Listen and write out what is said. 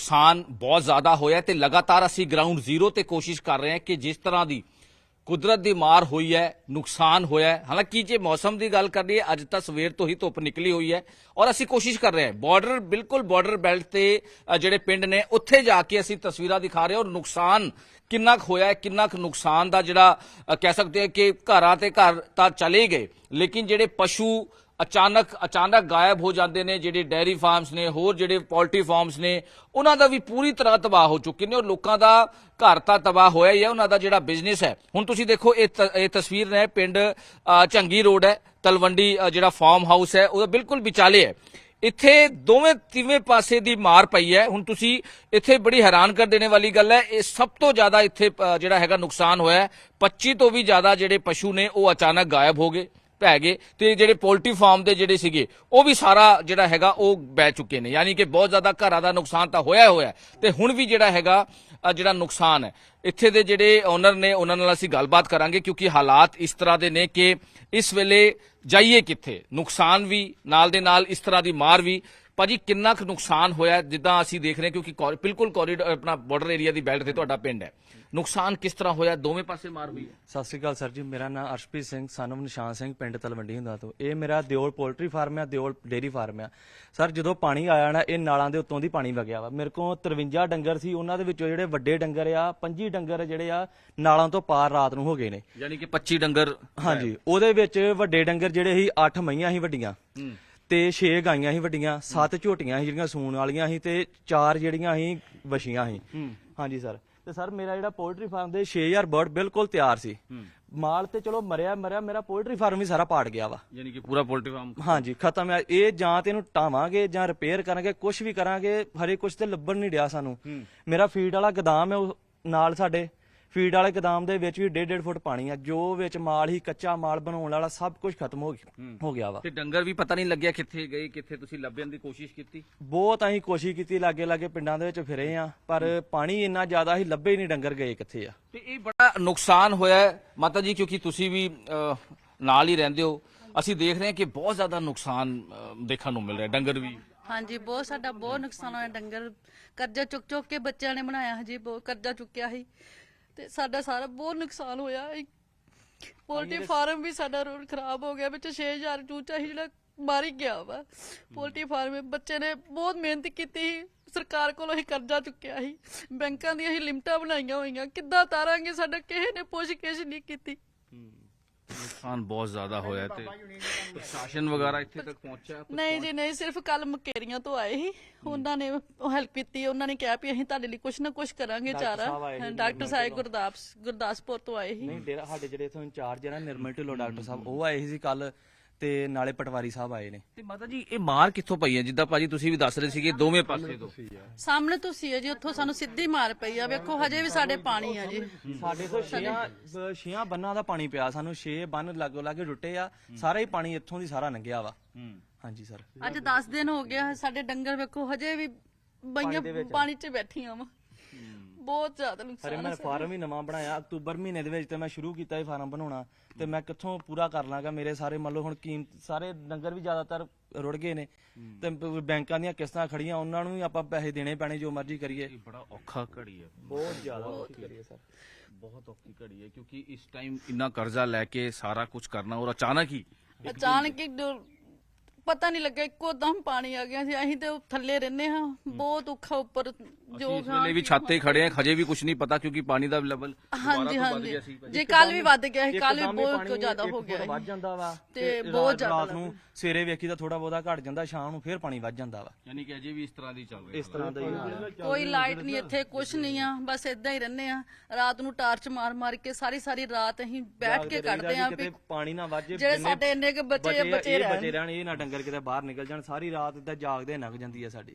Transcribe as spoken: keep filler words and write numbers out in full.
नुकसान बहुत ज़्यादा होया ते लगातार असी ग्राउंड जीरो ते कोशिश कर रहे हैं कि जिस तरह की कुदरत की मार हुई है, नुकसान होया है। हालांकि जे मौसम की गल करिए अज तक सवेर तो ही धुप निकली हुई है और असी कोशिश कर रहे हैं बॉर्डर बिल्कुल बॉर्डर बेल्ट ते ਜਿਹੜੇ ਪਿੰਡ ਨੇ ਉੱਥੇ ਜਾ ਕੇ ਅਸੀਂ ਤਸਵੀਰਾਂ ਦਿਖਾ ਰਹੇ ਹਾਂ ਔਰ ਨੁਕਸਾਨ ਕਿੰਨਾ ਕੁ ਹੋਇਆ ਹੈ, ਕਿੰਨਾ ਕੁ ਨੁਕਸਾਨ ਦਾ ਜਿਹੜਾ ਕਹਿ ਸਕਦੇ ਹਾਂ ਕਿ ਘਰਾਂ ਤੇ ਘਰ ਤਾਂ ਚਲੇ ਗਏ, ਲੇਕਿਨ ਜਿਹੜੇ ਪਸ਼ੂ ਅਚਾਨਕ ਅਚਾਨਕ ਗਾਇਬ ਹੋ ਜਾਂਦੇ ਨੇ, ਜਿਹੜੇ ਡੈਰੀ ਫਾਰਮਸ ਨੇ, ਹੋਰ ਜਿਹੜੇ ਪੋਲਟਰੀ ਫਾਰਮਸ ਨੇ, ਉਹਨਾਂ ਦਾ ਵੀ ਪੂਰੀ ਤਰ੍ਹਾਂ ਤਬਾਹ ਹੋ ਚੁੱਕੇ ਨੇ ਔਰ ਲੋਕਾਂ ਦਾ ਘਰ ਤਾਂ ਤਬਾਹ ਹੋਇਆ ਹੀ ਹੈ, ਉਹਨਾਂ ਦਾ ਜਿਹੜਾ ਬਿਜ਼ਨਸ ਹੈ। ਹੁਣ ਤੁਸੀਂ ਦੇਖੋ ਇਹ ਇਹ ਤਸਵੀਰ ਨੇ ਪਿੰਡ ਝੰਗੀ ਰੋਡ ਹੈ, ਤਲਵੰਡੀ ਜਿਹੜਾ ਫਾਰਮ ਹਾਊਸ ਹੈ ਉਹਦਾ ਬਿਲਕੁਲ ਵਿਚਾਲੇ ਹੈ। ਇੱਥੇ ਦੋਵੇਂ ਤਿਵੇਂ ਪਾਸੇ ਦੀ ਮਾਰ ਪਈ ਹੈ। ਹੁਣ ਤੁਸੀਂ ਇੱਥੇ ਬੜੀ ਹੈਰਾਨ ਕਰ ਦੇਣੇ ਵਾਲੀ ਗੱਲ ਹੈ, ਇਹ ਸਭ ਤੋਂ ਜ਼ਿਆਦਾ ਇੱਥੇ ਜਿਹੜਾ ਹੈਗਾ ਨੁਕਸਾਨ ਹੋਇਆ ਪੱਚੀ ਤੋਂ ਵੀ ਜ਼ਿਆਦਾ ਜਿਹੜੇ ਪਸ਼ੂ ਨੇ ਉਹ ਅਚਾਨਕ ਗਾਇਬ ਹੋ ਗਏ, ਪੈ ਗਏ ਤੇ ਜਿਹੜੇ ਪੋਲਟਰੀ ਫਾਰਮ ਦੇ ਜਿਹੜੇ ਸੀਗੇ ਉਹ ਵੀ ਸਾਰਾ ਜਿਹੜਾ ਹੈਗਾ ਉਹ ਬਹਿ ਚੁੱਕੇ ਨੇ। ਯਾਨੀ ਕਿ ਬਹੁਤ ਜ਼ਿਆਦਾ ਘਰਾਂ ਦਾ ਨੁਕਸਾਨ ਤਾਂ ਹੋਇਆ ਹੋਇਆ ਤੇ ਹੁਣ ਵੀ ਜਿਹੜਾ ਹੈਗਾ ਜਿਹੜਾ ਨੁਕਸਾਨ ਹੈ ਇੱਥੇ ਦੇ ਜਿਹੜੇ ਓਨਰ ਨੇ ਉਹਨਾਂ ਨਾਲ ਅਸੀਂ ਗੱਲਬਾਤ ਕਰਾਂਗੇ, ਕਿਉਂਕਿ ਹਾਲਾਤ ਇਸ ਤਰ੍ਹਾਂ ਦੇ ਨੇ ਕਿ ਇਸ ਵੇਲੇ ਜਾਈਏ ਕਿੱਥੇ। ਨੁਕਸਾਨ ਵੀ ਨਾਲ ਦੇ ਨਾਲ ਇਸ ਤਰ੍ਹਾਂ ਦੀ ਮਾਰ ਵੀ। ਭਾਜੀ ਕਿੰਨਾ ਕੁ ਨੁਕਸਾਨ ਹੋਇਆ ਜਿੱਦਾਂ ਅਸੀਂ ਦੇਖ ਰਹੇ ਹਾਂ, ਕਿਉਂਕਿ ਬਿਲਕੁਲ ਕੋਰੀਡੋਰ ਆਪਣਾ ਬਾਰਡਰ ਏਰੀਆ ਦੀ ਬੈਲਟ ਤੇ ਤੁਹਾਡਾ ਪਿੰਡ ਹੈ, ਨੁਕਸਾਨ ਕਿਸ ਤਰ੍ਹਾਂ ਹੋਇਆ? ਦੋਵੇਂ ਪਾਸੇ ਮਾਰ ਹੋਈ ਹੈ। ਸਤਿ ਸ਼੍ਰੀ ਅਕਾਲ ਸਰ ਜੀ, ਮੇਰਾ ਨਾਮ ਅਰਸ਼ਪ੍ਰੀਤ ਸਿੰਘ ਸਨ of ਨਿਸ਼ਾਨ ਸਿੰਘ, ਪਿੰਡ ਤਲਵੰਡੀ ਹੁੰਦਾ ਤੋਂ। ਇਹ ਮੇਰਾ ਦਿਓਲ ਪੋਲਟਰੀ ਫਾਰਮ ਆ, ਦਿਓਲ ਡੇਅਰੀ ਫਾਰਮ ਆ ਸਰ। ਜਦੋਂ ਪਾਣੀ ਆਇਆ ਨਾ ਇਹ ਨਾਲਾਂ ਦੇ ਉੱਤੋਂ ਦੀ ਪਾਣੀ ਵਗਿਆ ਵਾ। ਮੇਰੇ ਕੋਲ ਤਰਵੰਜਾ ਡੰਗਰ ਸੀ, ਉਹਨਾਂ ਦੇ ਵਿੱਚੋਂ ਜਿਹੜੇ ਵੱਡੇ ਡੰਗਰ ਆ ਪੰਜੀ ਡੰਗਰ ਜਿਹੜੇ ਆ ਨਾਲਾਂ ਤੋਂ ਪਾਰ ਰਾਤ ਨੂੰ ਹੋ ਗਏ ਨੇ। ਯਾਨੀ ਕਿ ਪੱਚੀ ਡੰਗਰ। ਹਾਂਜੀ, ਉਹਦੇ ਵਿੱਚ ਵੱਡੇ ਡੰਗਰ ਜਿਹੜੇ ਸੀ ਅੱਠ ਮਈਆਂ ਸੀ ਵੱਡੀਆਂ ਤੇ ਛੇ ਗਾਈਆਂ ਸੀ ਵੱਡੀਆਂ, ਸੱਤ ਝੋਟੀਆਂ ਸੀ ਜਿਹੜੀਆਂ ਸੂਣ ਵਾਲੀਆਂ ਸੀ ਤੇ ਚਾਰ ਜਿਹੜੀਆਂ ਸੀ ਵਛੀਆਂ ਸੀ। ਹਾਂਜੀ ਸਰ। ਤੇ ਸਰ ਮੇਰਾ ਜਿਹੜਾ ਪੋਲਟਰੀ ਫਾਰਮ ਦੇ ਛੇ ਹਜ਼ਾਰ ਬਰਡ ਬਿਲਕੁਲ ਤਿਆਰ ਸੀ। ਮਾਲ ਤੇ ਚਲੋ ਮਰਿਆ ਮਰਿਆ, ਮੇਰਾ ਪੋਲਟਰੀ ਫਾਰਮ ਵੀ ਸਾਰਾ ਪਾੜ ਗਿਆ ਵਾ। ਯਾਨੀ ਕਿ ਪੂਰਾ ਪੋਲਟਰੀ ਫਾਰਮ ਹਾਂਜੀ ਖਤਮ ਹੈ। ਇਹ ਜਾਂ ਤੇ ਇਹਨੂੰ ਟਾਵਾਂਗੇ ਜਾਂ ਰਿਪੇਅਰ ਕਰਾਂਗੇ, ਕੁਝ ਵੀ ਕਰਾਂਗੇ, ਹਰੇ ਕੁਝ ਤੇ ਲੱਭਣ ਨਹੀਂ ਡਿਆ ਸਾਨੂੰ। ਮੇਰਾ ਫੀਡ ਵਾਲਾ ਗੋਦਾਮ ਹੈ ਉਹ ਨਾਲ, ਸਾਡੇ ਫੀਡ ਵਾਲੇ ਗੋਦਾਮ ਦੇ ਵਿੱਚ ਵੀ ਡੇਢ ਡੇਢ ਫੁੱਟ ਪਾਣੀ ਆ। ਜੋ ਵਿੱਚ ਮਾਲ ਹੀ ਕੱਚਾ ਮਾਲ ਬਣਾਉਣ ਵਾਲਾ ਸਭ ਕੁਝ ਖਤਮ ਹੋ ਗਿਆ ਹੋ ਗਿਆ ਵਾ। ਤੇ ਡੰਗਰ ਵੀ ਪਤਾ ਨਹੀਂ ਲੱਗਿਆ ਕਿੱਥੇ ਗਏ, ਕਿੱਥੇ ਤੁਸੀਂ ਲੱਭਣ ਦੀ ਕੋਸ਼ਿਸ਼ ਕੀਤੀ? ਬਹੁਤ ਅਸੀਂ ਕੋਸ਼ਿਸ਼ ਕੀਤੀ, ਲਾਗੇ ਲਾਗੇ ਪਿੰਡਾਂ ਦੇ ਵਿੱਚ ਫਿਰੇ ਆ, ਪਰ ਪਾਣੀ ਇੰਨਾ ਜ਼ਿਆਦਾ ਸੀ ਲੱਭੇ ਨਹੀਂ ਡੰਗਰ ਗਏ ਕਿੱਥੇ ਆ। ਤੇ ਇਹ ਬੜਾ ਨੁਕਸਾਨ ਹੋਇਆ ਮਾਤਾ ਜੀ, ਕਿਉਂਕਿ ਤੁਸੀਂ ਵੀ ਨਾਲ ਹੀ ਰਹਿੰਦੇ ਹੋ। ਅਸੀਂ ਦੇਖ ਰਹੇ ਹਾਂ ਕਿ ਬਹੁਤ ਜ਼ਿਆਦਾ ਨੁਕਸਾਨ ਦੇਖਣ ਨੂੰ ਮਿਲ ਰਿਹਾ, ਡੰਗਰ ਵੀ। ਹਾਂਜੀ ਬਹੁਤ ਸਾਡਾ ਬਹੁਤ ਨੁਕਸਾਨ ਹੋਇਆ। ਡੰਗਰ ਕਰਜ਼ਾ ਚੁੱਕ ਚੁੱਕ ਕੇ ਬੱਚਿਆਂ ਨੇ ਬਣਾਇਆ, ਹਜੇ ਬਹੁਤ ਕਰਜ਼ਾ ਚੁੱਕਿਆ ਸੀ ਤੇ ਸਾਡਾ ਸਾਰਾ ਬਹੁਤ ਨੁਕਸਾਨ ਹੋਇਆ। ਪੋਲਟਰੀ ਫਾਰਮ ਵੀ ਸਾਡਾ ਰੋਡ ਖਰਾਬ ਹੋ ਗਿਆ, ਵਿੱਚ ਛੇ ਹਜ਼ਾਰ ਚੂਚਾ ਸੀ ਜਿਹੜਾ ਮਰ ਹੀ ਗਿਆ ਵਾ। ਪੋਲਟਰੀ ਫਾਰਮ ਬੱਚੇ ਨੇ ਬਹੁਤ ਮਿਹਨਤ ਕੀਤੀ, ਸਰਕਾਰ ਕੋਲੋਂ ਅਸੀਂ ਕਰਜ਼ਾ ਚੁੱਕਿਆ ਸੀ, ਬੈਂਕਾਂ ਦੀਆਂ ਅਸੀਂ ਲਿਮਟਾਂ ਬਣਾਈਆਂ ਹੋਈਆਂ, ਕਿੱਦਾਂ ਤਾਰਾਂਗੇ? ਸਾਡਾ ਕਿਸੇ ਨੇ ਪੁੱਛ ਗਿੱਛ ਨਹੀਂ ਕੀਤੀ। ਨੁਕਸਾਨ ਬਹੁਤ ਜ਼ਿਆਦਾ ਹੋਇਆ ਤੇ ਪ੍ਰਸ਼ਾਸਨ ਵਗੈਰਾ ਇੱਥੇ ਤੱਕ ਪਹੁੰਚਿਆ? ਨਹੀਂ ਜੀ ਨਹੀਂ, ਸਿਰਫ ਕੱਲ ਮਕੇਰੀਆਂ ਤੋਂ ਆਏ ਸੀ, ਉਹਨਾਂ ਨੇ ਹੈਲਪ ਕੀਤੀ। ਉਹਨਾਂ ਨੇ ਕਿਹਾ ਵੀ ਅਸੀਂ ਤੁਹਾਡੇ ਲਈ ਕੁਛ ਨਾ ਕੁਛ ਕਰਾਂਗੇ। ਚਾਰਾ ਡਾਕਟਰ ਸਾਹਿਬ ਗੁਰਦਾਸ ਗੁਰਦਾਸਪੁਰ ਤੋਂ ਆਏ ਸੀ। ਨਹੀਂ ਡੇਰਾ ਸਾਡੇ ਜਿਹੜੇ ਇਥੋਂ ਇੰਚਾਰਜ ਹੈ ਨਾ ਨਿਰਮਲ ਢਿੱਲੋਂ ਡਾਕਟਰ ਸਾਹਿਬ, ਉਹ ਆਏ ਸੀ ਕੱਲ, ਤੇ ਨਾਲੇ ਪਟਵਾਰੀ ਸਾਹਿਬ ਆਏ ਨੇ। ਤੇ ਮਾਤਾ ਜੀ ਇਹ ਮਾਰ ਕਿੱਥੋਂ ਪਈ ਹੈ? ਜਿੱਦਾਂ ਭਾਜੀ ਤੁਸੀਂ ਵੀ ਦੱਸ ਰਹੇ ਸੀਗੇ ਦੋਵੇਂ ਪਾਸੇ ਤੋਂ। ਸਾਹਮਣੇ ਤੁਸੀਂ ਹੈ ਜੀ, ਉੱਥੋਂ ਸਾਨੂੰ ਸਿੱਧੀ ਮਾਰ ਪਈ ਆ। ਵੇਖੋ ਹਜੇ ਵੀ ਸਾਡੇ ਪਾਣੀ ਆ ਜੀ। ਸਾਡੇ ਤੋਂ ਛੇਆਂ ਛੇਆਂ ਬੰਨਾਂ ਦਾ ਪਾਣੀ ਪਿਆ ਸਾਨੂੰ, ਛੇ ਬੰਨ ਲਾਗੋ ਲਾਗੇ ਟੁੱਟੇ ਆ, ਸਾਰਾ ਹੀ ਪਾਣੀ ਇੱਥੋਂ ਦੀ ਸਾਰਾ ਲੰਘਿਆ ਵਾ। ਹਾਂਜੀ ਸਰ। ਅੱਜ ਦਸ ਦਿਨ ਹੋ ਗਿਆ, ਸਾਡੇ ਡੰਗਰ ਵੇਖੋ ਹਜੇ ਵੀ ਬਈਆਂ ਪਾਣੀ 'ਚ ਬੈਠੀਆਂ ਵਾ। ਬਹੁਤ ਜ਼ਿਆਦਾ ਨੁਕਸਾਨ ਹੈ। ਮੈਂ ਫਾਰਮ ਹੀ ਨਵਾਂ ਬਣਾਇਆ ਅਕਤੂਬਰ ਮਹੀਨੇ ਦੇ ਵਿੱਚ, ਤੇ ਮੈਂ ਸ਼ੁਰੂ ਕੀਤਾ ਇਹ ਫਾਰਮ ਬਣਾਉਣਾ, ਤੇ ਮੈਂ ਕਿੱਥੋਂ ਪੂਰਾ ਕਰ ਲਾਂਗਾ? ਮੇਰੇ ਸਾਰੇ ਮੰਨ ਲਓ ਹੁਣ ਕੀਮਤ ਸਾਰੇ ਡੰਗਰ ਵੀ ਜ਼ਿਆਦਾਤਰ ਰੁੜ ਗਏ ਨੇ, ਤੇ ਬੈਂਕਾਂ ਦੀਆਂ ਕਿਸ਼ਤਾਂ ਖੜੀਆਂ, ਉਹਨਾਂ ਨੂੰ ਵੀ ਆਪਾਂ ਪੈਸੇ ਦੇਣੇ ਪੈਣੇ ਜੋ ਮਰਜ਼ੀ ਕਰੀਏ। ਬੜਾ ਔਖਾ ਘੜੀ ਹੈ, ਬਹੁਤ ਜ਼ਿਆਦਾ ਔਖੀ ਘੜੀ ਹੈ ਸਰ, ਬਹੁਤ ਔਖੀ ਘੜੀ ਹੈ, ਕਿਉਂਕਿ ਇਸ ਟਾਈਮ ਇੰਨਾ ਕਰਜ਼ਾ ਲੈ ਕੇ ਸਾਰਾ ਕੁਝ ਕਰਨਾ ਔਰ ਅਚਾਨਕ ਹੀ ਅਚਾਨਕ ਹੀ ਪਤਾ ਨਹੀਂ ਲੱਗਾ, ਇੱਕੋ ਦਮ ਪਾਣੀ ਆ ਗਿਆ ਸੀ। ਅਸੀਂ ਤੇ ਥੱਲੇ ਰਹਿੰਦੇ ਹਾਂ, ਬਹੁਤ ਔਖਾ ਉੱਪਰ ਜੋ ਇਸ ਵੇਲੇ ਵੀ ਛੱਤ ਤੇ ਖੜੇ ਆ, ਹਜੇ ਵੀ ਕੁਝ ਨਹੀਂ ਪਤਾ ਕਿਉਂਕਿ ਪਾਣੀ ਦਾ ਲੈਵਲ ਹਾਂਜੀ ਹਾਂਜੀ ਜੇ ਕੱਲ ਵੀ ਵੱਧ ਗਿਆ ਸੀ, ਕੱਲ ਵੀ ਬਹੁਤ ਜ਼ਿਆਦਾ ਹੋ ਗਿਆ ਵੱਧ ਜਾਂਦਾ ਵਾ ਤੇ ਬਹੁਤ ਜ਼ਿਆਦਾ ਰਾਤ ਨੂੰ ਸਵੇਰੇ ਵੇਖੀ ਤਾਂ ਥੋੜਾ ਬਹੁਤਾ ਘਟ ਜਾਂਦਾ, ਸ਼ਾਮ ਨੂੰ ਫੇਰ ਪਾਣੀ ਵੱਧ ਜਾਂਦਾ ਵਾ। ਯਾਨੀ ਕਿ ਅਜੇ ਵੀ ਇਸ ਤਰ੍ਹਾਂ ਦੀ ਚੱਲ ਰਹੀ ਹੈ। ਇਸ ਤਰ੍ਹਾਂ ਦਾ ਹੀ ਕੋਈ ਲਾਈਟ ਨਹੀਂ ਇੱਥੇ, ਕੁਝ ਨਹੀਂ ਆ, ਬਸ ਇਦਾਂ ਹੀ ਰਹਿੰਦੇ ਆ। ਰਾਤ ਨੂੰ ਟਾਰਚ ਮਾਰ ਮਾਰ ਕੇ ਸਾਰੀ ਸਾਰੀ ਰਾਤ ਅਸੀਂ ਬੈਠ ਕੇ ਕੱਢਦੇ ਆ ਵੀ ਪਾਣੀ ਨਾ ਵੱਜੇ, ਜਿਹੜੇ ਸਾਡੇ ਇੰਨੇ ਕੇ ਬੱਚੇ ਬੱਚੇ ਬਚੇ ਰਹਿਣ, ਇਹ ਨਾ ਡੰਗਰ ਕਿਤੇ ਬਾਹਰ ਨਿਕਲ ਜਾਣ। ਸਾਰੀ ਰਾਤ ਇਦਾਂ ਜਾਗਦੇ ਲੰਘ ਜਾਂਦੀ ਹੈ ਸਾਡੀ।